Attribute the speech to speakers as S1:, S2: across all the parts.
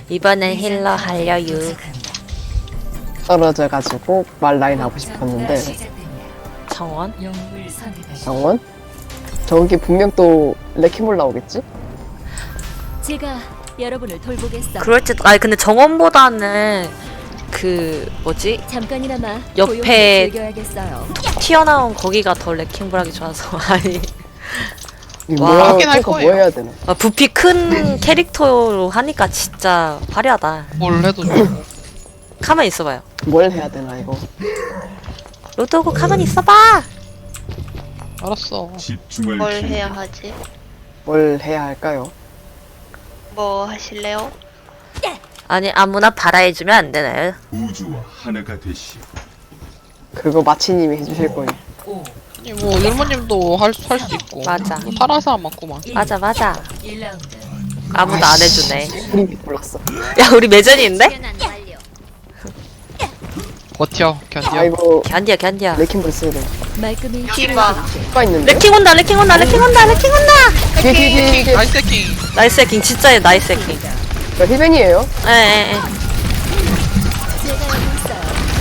S1: 이번엔 힐러 하려유.
S2: 떨어져가지고 말 라인 하고 싶었는데
S1: 정원?
S2: 정원? 저기 분명 또 레키몰 나오겠지?
S3: 제가 여러분을 돌보겠어.
S1: 그럴지도. 아니 근데 정원보다는 그 뭐지?
S3: 잠깐이나마
S1: 옆에
S3: 고요함을 즐겨야겠어요.
S1: 튀어나온 거기가 더 레킹볼하기 좋아서. 아니
S2: 이거
S1: 와,
S2: 뭐
S4: 하긴 할
S2: 뭐
S4: 거예요.
S2: 해야 되나?
S1: 부피 큰 캐릭터로 하니까 진짜 화려하다.
S4: 뭘 해도 좋고.
S1: 가만히 있어봐요.
S2: 뭘 해야 되나 이거?
S1: 로드오고 가만히 있어봐.
S4: 알았어.
S5: 집중을
S6: 뭘
S5: 키-
S6: 해야 하지?
S2: 뭘 해야 할까요?
S6: 뭐 하실래요?
S1: 아니 아무나 바라해주면 안 되나요?
S5: 우주와 하나가 되시오.
S2: 그거 마치님이 해주실 거예요.
S4: 아니, 뭐 율무님도 할 수 있고.
S1: 맞아.
S4: 뭐 파라사 많구만.
S1: 맞아 맞아. 아무도 안 해주네.
S2: 프리비 골랐어.
S1: 야 우리 매전인데?
S4: 버텨, 견뎌.
S2: 아이고
S1: 견디야 견디야.
S2: 레키몰 써야 돼.
S3: 말끔히
S6: 디바.
S2: 누가 있는데?
S1: 레킹 온다 레킹 온다 레킹 온다 레킹 온다.
S2: 뒤에
S4: 나이스 해킹.
S1: 나이스 해킹 진짜 나이스 해킹.
S2: 저 힐벤이에요?
S1: 에에에.
S3: 제가 여기 있어요.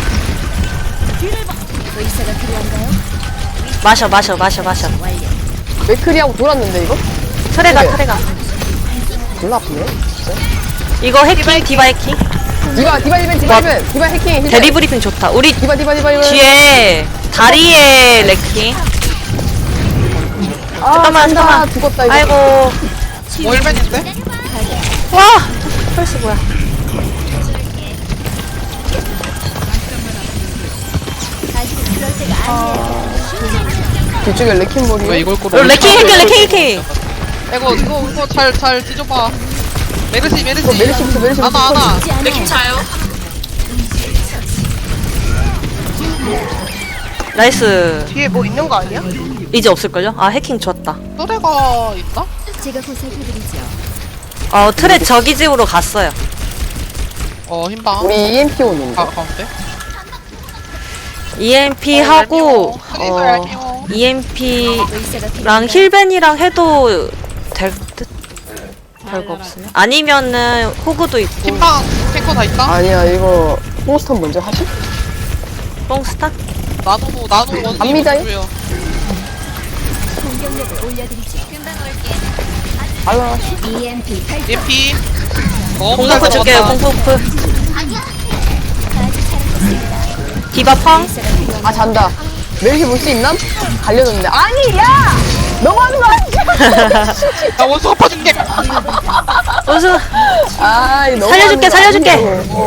S3: 의사가 필요한가요?
S1: 마셔 마셔 마셔 마셔.
S2: 맥크리하고 돌았는데 이거?
S1: 트레가
S2: 네.
S1: 트레가.
S2: 졸라 아프네.
S1: 이거 해킹 디바 해킹.
S2: 디바 힐벤 디바 힐벤 디바 해킹 힐벤.
S1: 대리 브리핑 좋다. 우리
S2: 디바 힐벤.
S1: 뒤에 다리에 레킹.
S2: 아
S1: 잠깐만,
S2: 간다.
S1: 잠깐만.
S2: 죽었다 이거.
S1: 아이고.
S4: 뭐 일벤인데?
S1: 와. 펄스 뭐야?
S3: 아직은 그럴 때가 아니에요.
S2: 뒤쪽에 레킨볼이.
S4: 왜 이걸
S1: 어,
S4: 꼬르?
S1: 레킹 해킹 레킹 해킹.
S4: 이거 잘 뒤져봐. 메르시.
S2: 메르시부터.
S4: 아나.
S3: 죽지 않아요.
S1: 나이스.
S6: 뒤에 뭐 있는 거 아니야?
S1: 이제 없을걸요? 아 해킹 좋았다.
S4: 또래가 있나?
S3: 제가 보살펴드리죠.
S1: 트레 저기 집으로 갔어요.
S4: 흰방.
S2: 우리 EMP 오는데.
S4: 가운데.
S1: EMP
S4: 어,
S1: 하고
S4: 그래서 얄미워.
S1: EMP랑
S3: 의사가 필요한가요?
S1: 힐벤이랑 해도 될 듯. 별거 없으면. 아니면은 호구도 있고.
S4: 흰방 탱커 다 있다?
S2: 아니야 이거 포스턴 먼저 하시?
S1: 뽕스타?
S4: 나노 원.
S2: 갑니다요?
S3: 공격력을 올려드리죠.
S2: 알라.
S3: EMP 탈
S4: EMP. 너무 잘
S1: 공포프 줄게요.
S4: 들어갔다.
S1: 공포프.
S3: 아주 잘하셨습니다.
S1: 디바 펑.
S3: 의사가 필요한가요?
S2: 아 잔다. 메르시 볼 수 있나? 갈려졌는데. 아니 야! 너무하는 거 아니야?
S4: 나 원수 갚아줄게.
S1: 우수.
S2: 아이 너무
S1: 살려줄게.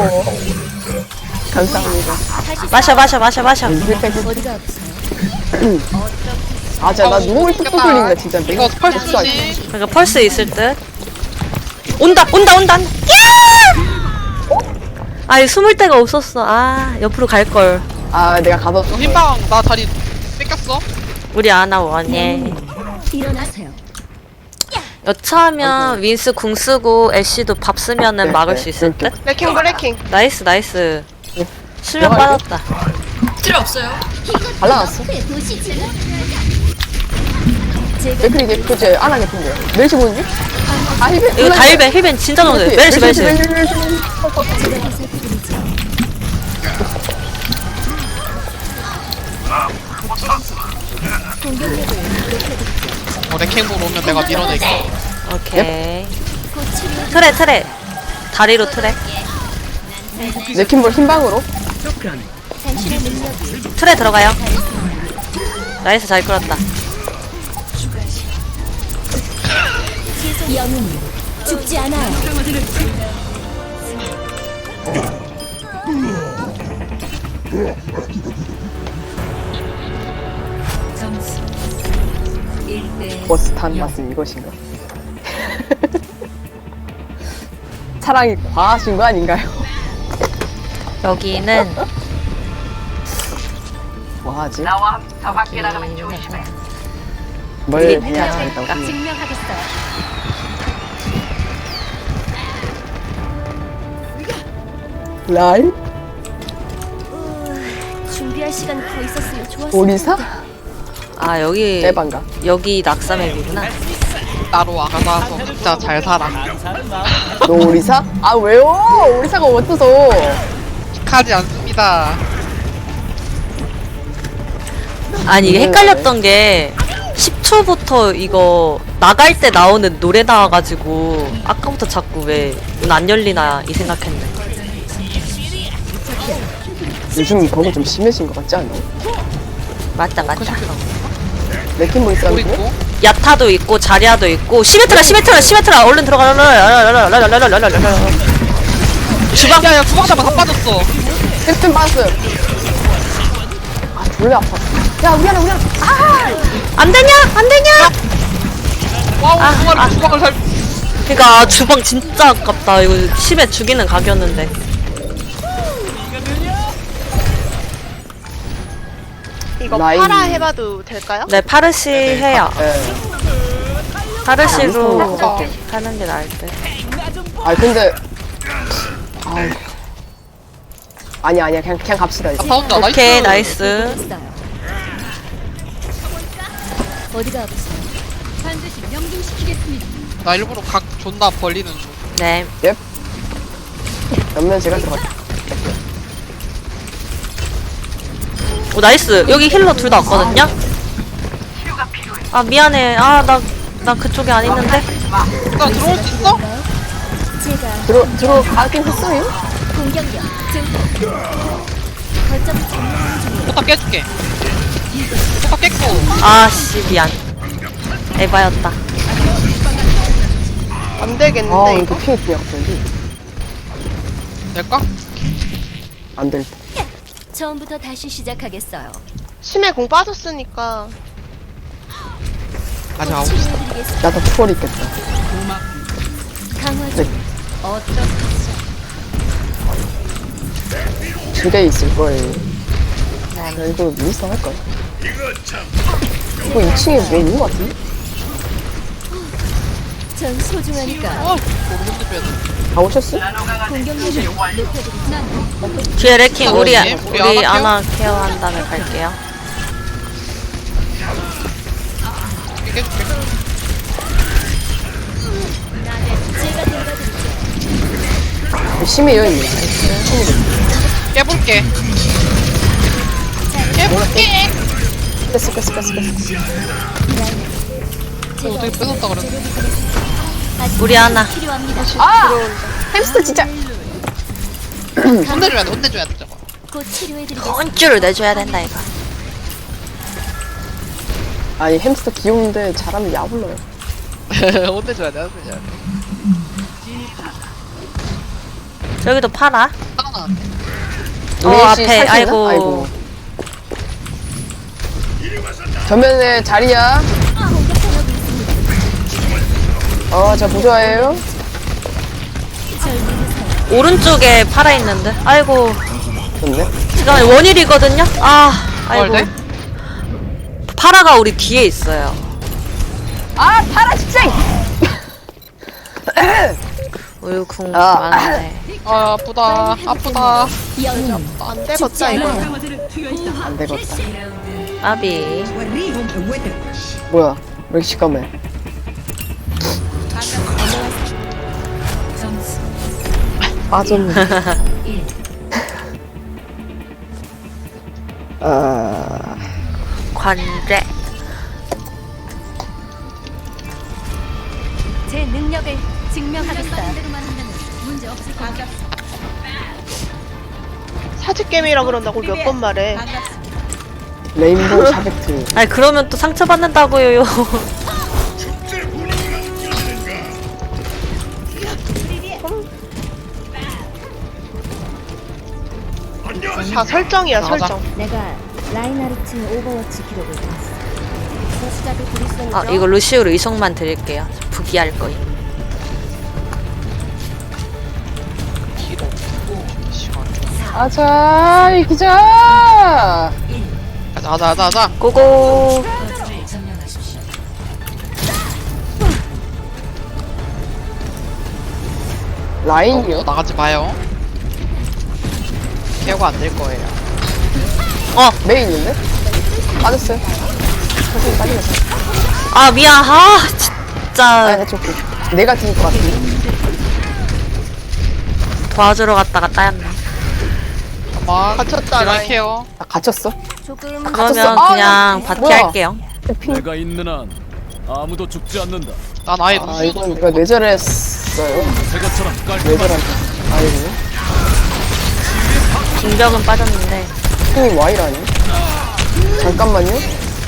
S2: 감사합니다.
S1: 마셔.
S2: 힐팩.
S3: 어디가 아프세요?
S2: 아 진짜 나 누울 뚝뚝 걸린다 진짜.
S4: 이거 스펄스
S2: 복수 아니야.
S4: 주지.
S1: 그러니까 펄스 있을 듯. 온다. 야! 아이 숨을 데가 없었어. 아 옆으로 갈 걸.
S2: 아 내가 가뒀어.
S4: 흰방 나 다리 뺏겼어.
S1: 우리 아나 원예.
S3: 일어나세요.
S1: 여차하면 윈스 궁 쓰고 애쉬도 밥 쓰면은
S2: 네,
S1: 막을
S2: 네,
S1: 수 있을 듯.
S6: 레킹 브레킹.
S1: 나이스.
S2: 네.
S1: 수면
S2: 들어가요?
S1: 빠졌다.
S2: 발라놨어.
S3: 제가
S2: 맥크리 개프지 안 하겠던데요. 메르시 보는지? 아 힐벤.
S1: 이거 다 힐벤 진짜 너무 돼. 메르시.
S3: 제가 보살펴드리죠. 공격력을 높여드리죠.
S4: 레킹볼 오면 내가 밀어낼게.
S1: 오케이.
S3: 곧 치료.
S1: 트레. 다리로 트레.
S2: 레킨볼 흰방으로.
S3: 당신의 능력이
S1: 트레 들어가요. 나이스 잘 끌었다.
S3: 영웅이 죽지 않아요.
S2: 버스탄 맛은 이것인가? 사랑이 과하신 거 아닌가요?
S1: 여기는
S2: 뭐 하지?
S1: 여기는
S2: 뭘
S1: 네,
S2: 해야 할까?
S3: 증명하겠어요.
S2: 라이?
S3: 준비할 시간 더 있었으면 좋았을
S2: 오리사?
S1: 아 여기
S2: 에반가?
S1: 여기 낙사맵이구나.
S4: 따로 와가서 진짜 잘 살아.
S2: 너 오리사? 아 왜요? 오리사가 어때서?
S4: 하지 않습니다.
S1: 아니 이게 헷갈렸던 게 10초부터 이거 나갈 때 나오는 노래 나와가지고 아까부터 자꾸 왜 문 안 열리나 이 생각했네.
S2: 요즘 버그 좀 심해진 것 같지 않아?
S1: 맞다 맞다.
S2: 레킹 뭐 있어?
S4: 또 있고.
S1: 야타도 있고 자리아도 있고 시메트라 얼른 들어가. 주방
S4: 야야 주방 잡아 다 빠졌어.
S2: 힐튼 빠졌어요. 아 졸래 아파. 야 우리 하나. 아
S1: 안 되냐?
S4: 와우
S1: 아,
S4: 주방을
S1: 아.
S4: 주방을 살.
S1: 그니까 주방 진짜 아깝다. 이거 심해 죽이는 각이었는데.
S6: 이거
S2: 라인.
S6: 파라 해봐도 될까요?
S1: 네 파르시 해요.
S2: 예.
S1: 파르시로
S2: 아,
S1: 하는 게 나을 듯.
S2: 아 근데 아이. 아니야 그냥 갑시다 이제.
S4: 다 혼자 나이스.
S1: 오케이 나이스.
S3: 있어요. 어디가 아프세요? 반드시 명중시키겠습니다.
S4: 나 일부러 각 존나 벌리는 중.
S1: 네.
S2: 옆면 제가 들어갈게.
S1: 오 나이스. 여기 힐러 둘 다 왔거든요. 아 미안해. 아 나 그쪽에 안 있는데.
S4: 나 들어올 수 있어?
S3: 제가
S2: 들어가긴 했어요?
S3: 공격력 증폭. 거점 점령 중이에요.
S4: 포탑 깨줄게. 포탑 깼고.
S1: 아씨 미안. 에바였다.
S6: 안
S2: 아
S6: 되겠는데
S2: 이거
S6: 이거?
S2: 피해 그냥 갑자기
S4: 될까?
S2: 안될
S3: 처음부터 다시 시작하겠어요.
S6: 심해 공 빠졌으니까
S4: 아직 아홉 시.
S3: 치료해드리겠습니다.
S2: 나도 투월 있겠다.
S3: 강화
S2: 네.
S3: 중. 어떠세요?
S2: 2개 있을 거예요. 야 이거 윈스턴 할까? 이거 2층에 왜 있는 거 같은데?
S3: 전 소중하니까
S4: 모르는데 빼야 돼.
S2: 다 오셨어?
S3: 공격력을 높여드리겠습니다.
S1: 뒤에 레킹 우리
S4: 우리
S1: 아나 케어한 다음에 갈게요.
S4: 깨줄게.
S3: 제가 돌봐드리죠.
S2: 심해 여기 있네.
S4: 깨볼게. 깨볼게.
S2: 깼어.
S4: 어떻게 뺏었다 그랬어?
S1: 우리 아나.
S3: 필요합니다.
S2: 아! 햄스터 진짜
S4: 혼내줘야 돼. 혼내줘야 돼 저거.
S3: 곧 치료해드리겠습니다.
S1: 혼쭐을 내줘야 된다 이거.
S2: 아니 햄스터 귀여운데 잘하면 야불러요.
S4: 혼내줘야 돼. 혼내줘야 돼.
S1: 저기도 팔아.
S4: 하나.
S1: 앞에. 아이고.
S2: 전면에 자리야. 저 부조화예요.
S1: 오른쪽에 팔아 있는데. 아이고.
S2: 좋네.
S1: 잠깐만 원일이거든요. 아이고.
S4: 돼?
S1: 파라가 우리 뒤에 있어요.
S2: 아 파라 진짜.
S1: 우유 궁
S2: 아.
S1: 많은데.
S4: 아 아프다. 아프다.
S3: 영웅
S6: 안 되겠다 이거.
S2: 안 되겠다.
S1: 아비.
S2: 뭐야? 왜 이렇게 시커매? 빠졌네.
S1: 관제.
S3: 제 능력을 증명하겠어요. 문제 없을 겁니다.
S6: 사직 게임이라 그런다고 몇 번 말해.
S2: 레인보우 샤베트.
S1: 아니 그러면 또 상처받는다고요.
S6: 다 설정이야
S4: 나가자.
S6: 설정.
S3: 내가 라인하르트 오버워치 기록을 봤어. 소수자들 그리스도죠.
S1: 아 이거 루시우로 이성만 드릴게요. 부기할 거임.
S4: 길어. 시간.
S2: 아자 이기자.
S4: 가자.
S1: 고고.
S2: 라인이요?
S4: 나가지 마요. 케어가 안 될 거예요.
S2: 메인 있는데? 빠졌어요. 천천히 빠지겠어.
S1: 아 미안. 진짜
S2: 아니 저기 내가 죽을 것 같아.
S1: 도와주러 갔다가 따였네.
S4: 잠깐만.
S6: 갇혔다,
S4: 라인
S6: 라인.
S4: 케어.
S2: 나 갇혔어?
S3: 조금
S1: 그러면
S2: 아,
S1: 그냥
S2: 이거
S1: 바티
S2: 뭐야?
S1: 할게요.
S2: 핑.
S7: 내가 있는 한 아무도 죽지 않는다.
S4: 난 아예
S2: 아
S4: 루시오도
S2: 이건 내가 뇌절했어요.
S7: 새것처럼 깔끔한
S2: 뇌절한. 아니고.
S1: 빙벽은 빠졌는데.
S2: 핑이 Y라니? 잠깐만요.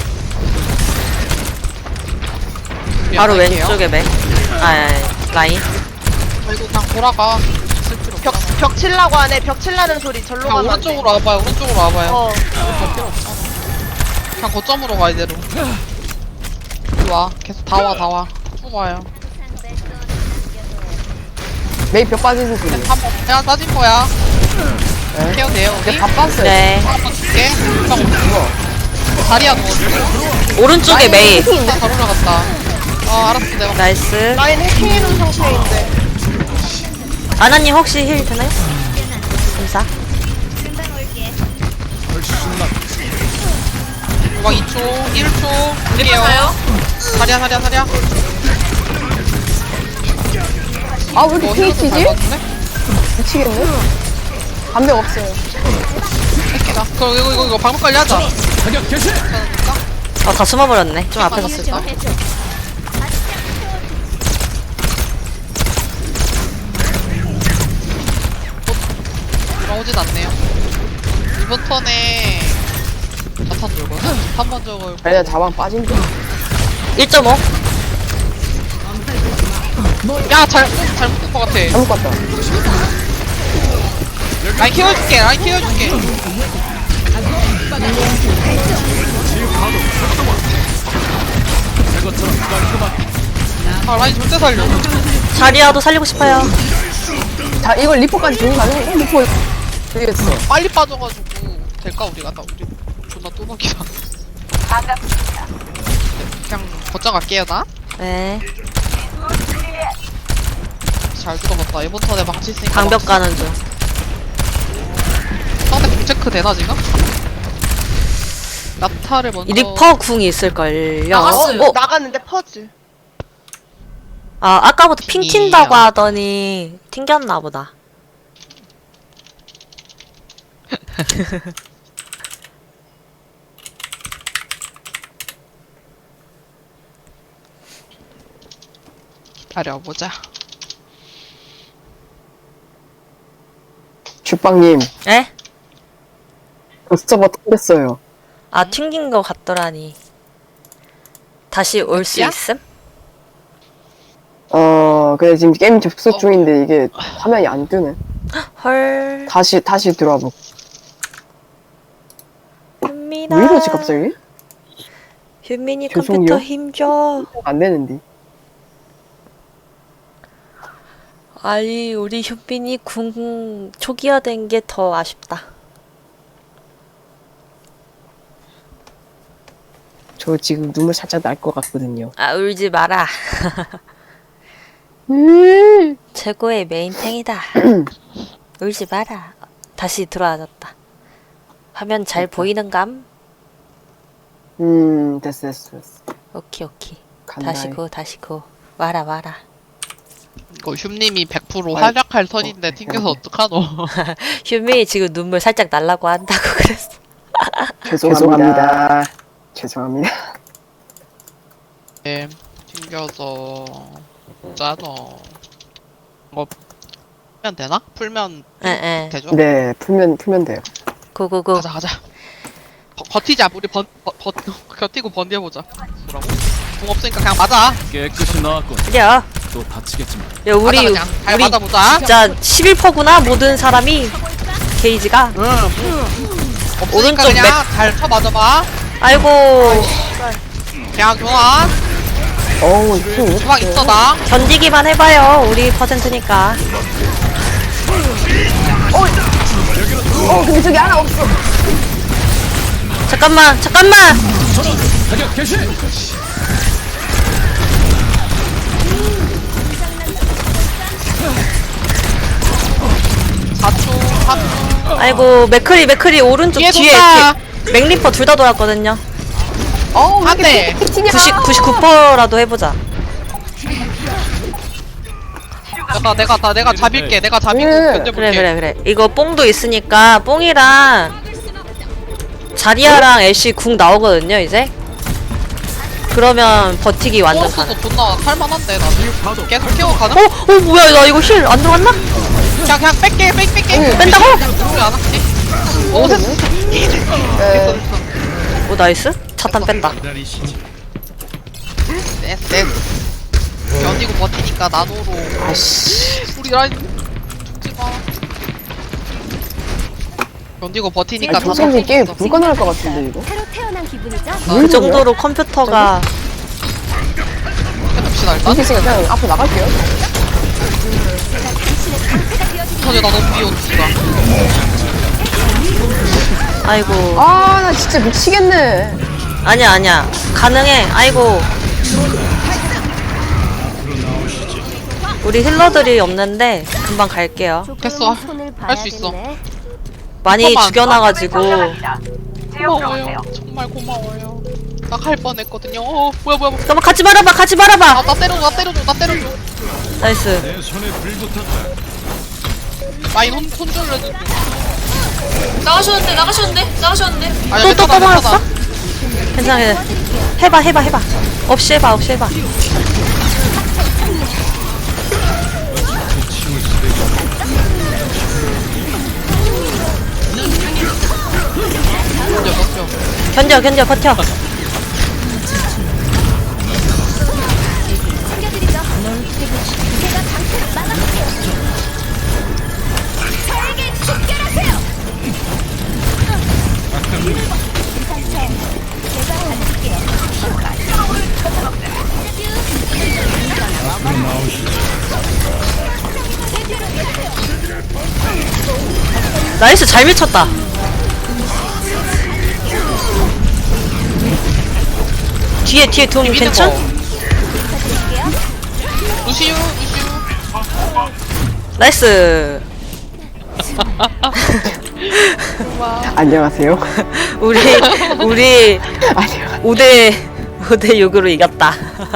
S1: 바로
S4: 라인 케어.
S1: 왼쪽에 맥. 라인.
S4: 아이고 그냥 돌아가. 쓸 필요 없잖아.
S6: 벽 칠라고 하네. 벽 칠라는 소리 절로
S4: 그냥
S6: 가면 안 돼.
S4: 오른쪽으로 와봐요. 오른쪽으로 와봐요.
S6: 어.
S4: 그냥 거점으로 가 이대로. 이리 와. 계속 다 와, 다 와. 쭉 와요.
S2: 메이 벽 빠지는 소리.
S4: 한번 그냥 따진 거야.
S2: 네.
S4: 케어 돼요 우리.
S2: 내가 다 빴어요.
S1: 네.
S4: 한번 줄게. 형 다리야 넣어줄게.
S1: 오른쪽에 메이.
S4: 잘 올라갔다. 알았어 내가.
S1: 나이스.
S6: 라인 해킹해놓은 상태인데.
S1: 아나님 혹시 힐 되나요? 감사.
S4: 막 2초, 1초. 드릴게요. 사랴.
S2: 아 왜 이렇게 핑이 튀지?
S4: 밟았네?
S2: 미치겠네. 반백 없어요.
S4: 새끼다. 그럼 이거 방법 관리하자.
S7: 사격 개시.
S1: 다 숨어버렸네. 좀 앞에서 쓰.
S4: 다 돌아오진 않네요. 이번 턴에 자탄 돌거든? 한번 적을
S2: 아니야 자방 빠진 거.
S1: 1.5.
S4: 야 잘못 본 것 같아.
S2: 잘못 갔다.
S4: 라인 키워줄게.
S7: 새것처럼 깔끔한
S4: 라인 절대 살려.
S1: 자리아도 살리고 싶어요.
S2: 자 이걸 리포까지 주는 거 아니야? 리포 되겠어.
S4: 빨리 빠져가지고 될까 우리가? 나 우리 존나 또박이다. 그냥 거점 갈게요 나.
S1: 네.
S4: 잘 들어봤다. 이번 턴에 망치 있으니까.
S1: 방벽 가는 중.
S4: 상대 공체크 되나 지금? 나타를 먼저.
S1: 리퍼 궁이 있을걸요.
S6: 나갔는데 퍼즐.
S1: 아까부터 핑 튄다고 하더니 튕겼나 보다.
S4: 기다려보자.
S2: 주빵님
S1: 에?
S2: 서버 튕겼어요.
S1: 튕긴 거 같더라니. 다시 올 수
S4: 야?
S1: 있음?
S2: 근데 지금 게임 접속 중인데 이게 화면이 안 뜨네.
S1: 헐.
S2: 다시 들어와 보.
S1: 현민아.
S2: 왜 이러지 갑자기?
S1: 현민이
S2: 죄송해요.
S1: 컴퓨터 힘줘.
S2: 안 되는데.
S1: 아니 우리 현민이 궁 초기화된 게 더 아쉽다.
S2: 저 지금 눈물 살짝 날 것 같거든요.
S1: 울지 마라. 최고의 메인탱이다. 울지 마라. 다시 들어와졌다. 화면 잘 보이는감?
S2: 됐어.
S1: 오케이.
S2: 간다.
S1: 다시 고. 와라.
S4: 이거 흉님이 100% 활약할 턴인데 튕겨서 어떡하노.
S1: 현민이 지금 눈물 살짝 날라고 한다고 그랬어.
S2: 죄송합니다.
S4: 튕겨서 짜노. 뭐 풀면 되나? 풀면
S1: 에.
S4: 되죠?
S2: 네, 풀면 돼요.
S1: 고고고.
S4: 가자. 버티자. 우리 버티고 번디해보자. 뭐라고? 공 없으니까 그냥 맞아.
S7: 깨끗이 나왔군.
S1: 그래.
S7: 또 다치겠지만.
S1: 야 우리
S4: 맞아, 그냥. 잘 맞아보자.
S1: 진짜 11%구나 모든 사람이 게이지가.
S4: 없으니까
S1: 오른쪽
S4: 그냥
S1: 맥.
S4: 잘 쳐맞아봐.
S1: 아이고.
S4: 그냥 교환.
S2: 어우, 이거
S4: 주방 있어 나.
S1: 견디기만 해봐요. 우리 퍼센트니까.
S2: 근데 저기 하나 없어.
S1: 잠깐만.
S7: 사격 개시.
S1: 아이고 맥크리 오른쪽
S4: 뒤에
S1: 뒤에
S4: 돈다.
S1: 맥리퍼 둘 다 돌았거든요.
S2: 왜
S4: 안 돼.
S2: 이렇게 튀냐?
S1: 99%라도 해보자.
S4: 내가 잡일게. 내가 잡이고
S2: 예.
S4: 견뎌볼게.
S1: 그래. 이거 뽕도 있으니까 뽕이랑 자리아랑 애쉬 궁 나오거든요, 이제. 그러면 버티기 완전 가능.
S4: 포스도 존나 할만한데 나. 계속 키워 가능?
S1: 뭐야, 나 이거 힐 안 들어갔나?
S4: 그냥 뺄게.
S1: 뺀다고?
S4: 우리 안 할게. 오 됐어.
S2: 네.
S1: 오, 나이스. 차탄 뺀다.
S4: 됐어. 견디고 버티니까 나노로.
S2: 아씨.
S4: 우리 라인 죽지 마. 견디고 버티니까
S2: 아니, 선생님 게임 불가능할 것 같은데 이거.
S3: 새로 태어난 기분이죠?
S1: 그 정도로 컴퓨터가
S4: 해봅시다 일단.
S2: 이게 있으니까 그냥 앞으로 나갈게요.
S4: 전에 나 너무 비웃기다.
S1: 아이고.
S2: 아, 나 진짜 미치겠네.
S1: 아니야. 가능해. 아이고. 우리 힐러들이 없는데 금방 갈게요.
S4: 됐어.
S3: 손을
S4: 할 수 있어.
S3: 봐야겠네.
S1: 많이
S4: 잠깐만.
S1: 죽여놔가지고
S4: 고마워요. 정말 고마워요. 나 갈 뻔했거든요. 뭐야.
S1: 잠깐만 가지 말아봐.
S4: 나 때려줘.
S1: 나이스.
S7: 내 손에 불 붙었다.
S4: 라인 손절을 해줘.
S8: 나가셨는데
S4: 아니야,
S1: 또
S4: 괜찮아.
S1: 뽑아놨어? 괜찮아. 해봐. 없이 해봐.
S4: 견뎌.
S1: 견뎌 버텨.
S3: 챙겨드리죠. 제가 방패를 막아볼게요. 저에게 집결하세요. 제가 가질게요.
S1: 나이스. 잘 미쳤다. 뒤에 돈 괜찮?
S4: 루시우.
S1: 나이스.
S2: 안녕하세요.
S1: 우리
S2: 안녕.
S1: 5대 6으로 이겼다.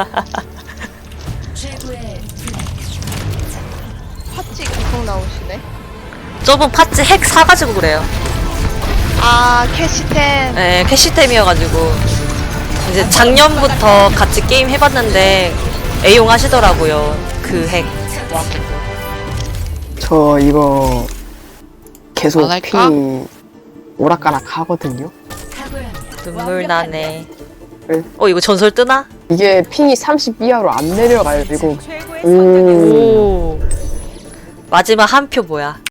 S6: 팥찌 계속 나오시네.
S1: 저번 팥찌 핵 사가지고 그래요.
S6: 아 캐시템.
S1: 네, 캐시템이어가지고 이제 작년부터 같이 게임 해봤는데 애용하시더라고요. 그 핵.
S2: 저 이거 계속
S4: 안 할까?
S2: 핑이 오락가락 하거든요.
S1: 눈물 나네.
S2: 네.
S1: 이거 전설 뜨나?
S2: 이게 핑이 30 이하로 안 내려가지고.
S1: 오. 마지막 한 표 뭐야?